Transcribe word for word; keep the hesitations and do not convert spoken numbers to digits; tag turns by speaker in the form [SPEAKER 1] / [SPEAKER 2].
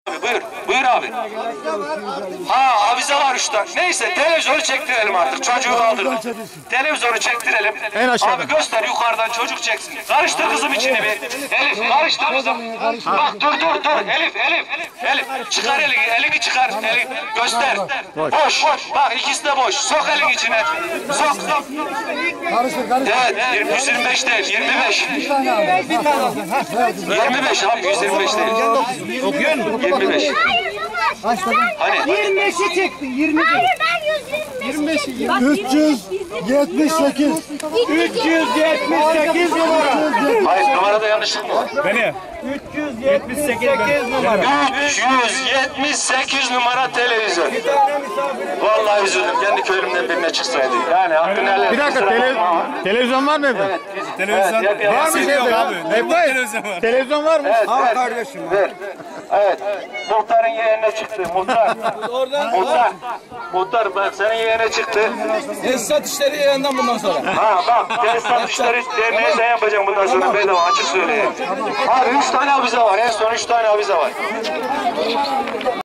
[SPEAKER 1] Buyur, buyur abi. Ha, avize var üç tane. Neyse, televizyonu çektirelim artık. Çocuğu kaldırma. Televizyonu çektirelim.
[SPEAKER 2] En aşağıda.
[SPEAKER 1] Abi göster yukarıdan çocuk çeksin. Karıştır kızım içini bir. Elif, karıştır kızım. Bak dur dur dur. Elif, Elif. Elif, çıkar elini, elini çıkar. Elini göster. Boş. boş. Bak ikisi de boş. Sok elini içine. Sok.
[SPEAKER 2] Karıştır, karıştır.
[SPEAKER 1] Evet, yüz yirmi beş değil, yirmi beş. yirmi beş abi, yüz yirmi beş değil.
[SPEAKER 2] Okuyor musun?
[SPEAKER 1] yirmi beş. Hani?
[SPEAKER 3] yirmi beşi çekti, yirmi beş.
[SPEAKER 4] Hayır ben yüz yirmi beş çektim.
[SPEAKER 2] üç yüz yetmiş sekiz.
[SPEAKER 3] üç yüz yetmiş sekiz numara.
[SPEAKER 1] Hayır, numarada yanlışlık mı var?
[SPEAKER 2] Beni.
[SPEAKER 3] üç yüz yetmiş sekiz numara.
[SPEAKER 1] üç yüz yetmiş sekiz numara televizyon. Vallahi üzüldüm. Kendi köylümden birine çıksaydı. Yani hakkını helal.
[SPEAKER 2] Bir dakika, tele, televizyon var mı evde?
[SPEAKER 1] Evet,
[SPEAKER 2] Televizyon
[SPEAKER 1] evet, yap,
[SPEAKER 2] var
[SPEAKER 1] yap.
[SPEAKER 2] mı evde abi? Televizyon var. Televizyon var mı?
[SPEAKER 1] Evet,
[SPEAKER 3] Al
[SPEAKER 1] ver,
[SPEAKER 3] kardeşim.
[SPEAKER 1] ver. Evet, muhtarın yeğenine çıktı. Muhtar. Muhtar. Muhtar, ben senin yeğene çıktı.
[SPEAKER 3] Esnaf işleri yayından bundan sonra.
[SPEAKER 1] Ha bak, tesisat işleri derneğe sen yapacaksın bundan sonra bedava, açık söyleyeyim. Abi üç tane avize var, en son üç tane avize var.